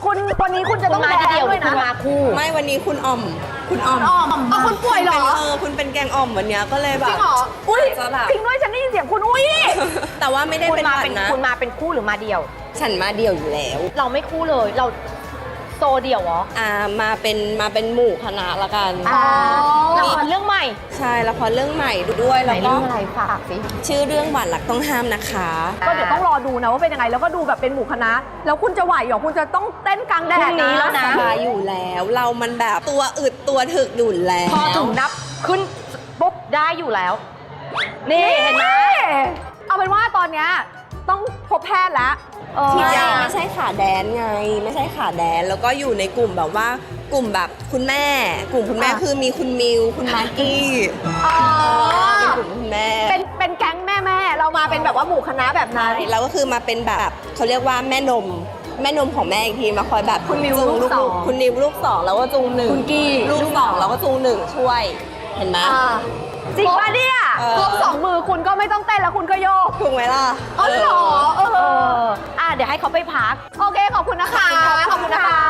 คุณวันนี้คุณจะต้องแดนด้วยนะคุณมาคู่ไม่วันนี้คุณอ่อมคุณป่วยเหรอคุณเป็นแกงอ่อมวันเนี้ยก็เลยแบบจริงเหรออุ้ยจะแบบจริงด้วยฉันได้ยินเสียงคุณอุ้ยแต่ว่าไม่ได้คุณเป็นมาหวัเป็ดนนะคุณมาเป็นคู่หรือมาเดี่ยวฉันมาเดี่ยวอยู่แล้วเราไม่คู่เลย เราโซเดี่ยวเหรอมาเป็นหมู่คณะละกันอ๋อละครเรื่องใหม่ใช่ละครเรื่องใหม่ดูด้วยไหนแล้วก็เรื่องอะไรฝากสิชื่อเรื่องหวานรักต้องห้ามนะคะก็เดี๋ยวต้องรอดูนะว่าเป็นยังไงแล้วก็ดูแบบเป็นหมู่คณะแล้วคุณจะไหวเหรอคุณจะต้องเต้นกลางแดพรุ่ดงนี้แล้วนะสบายอยู่แล้ว เรามันแบบตัวอึดตัวถึกอยู่แล้วพอถึงนับขึ้นปุ๊บได้อยู่แล้ว นี่เห็นไหมเอาเป็นว่าตอนเนี้ยต้องพบแพทย์แล้วที่ฉีดจริยางไม่ใช่ขาแดนไง ไม่ใช่ขาแดนแล้วก็อยู่ในกลุ่มแบบว่ากลุ่มแบบคุณแม่ กลุ่มคุณแม่คือมีคุณมิวคุณมากกี้อ๋อเป็นกลุ่มคุณแม่เป็นแก๊งแม่เรามาเป็นแบบว่าหมู่คณะแบบนั้นเราก็คือมาเป็นแบบเขาเรียกว่าแม่นมของแม่อีกทีมาคอยแบบคุณมิวจูงลูกสองคุณนิวลูกสองแล้วก็จูงหนึ่งคุณกี้ลูกสองแล้วก็จูงหนึ่งช่วยเห็นไหมจริงป่ะเนี่ยเออครบสองมือคุณก็ไม่ต้องเต้นแล้วคุณก็โยกถูกไหมล่ะอ๋อเหรอเดี๋ยวให้เขาไปพักโอเคขอบคุณนะคะ ขอบคุณนะคะ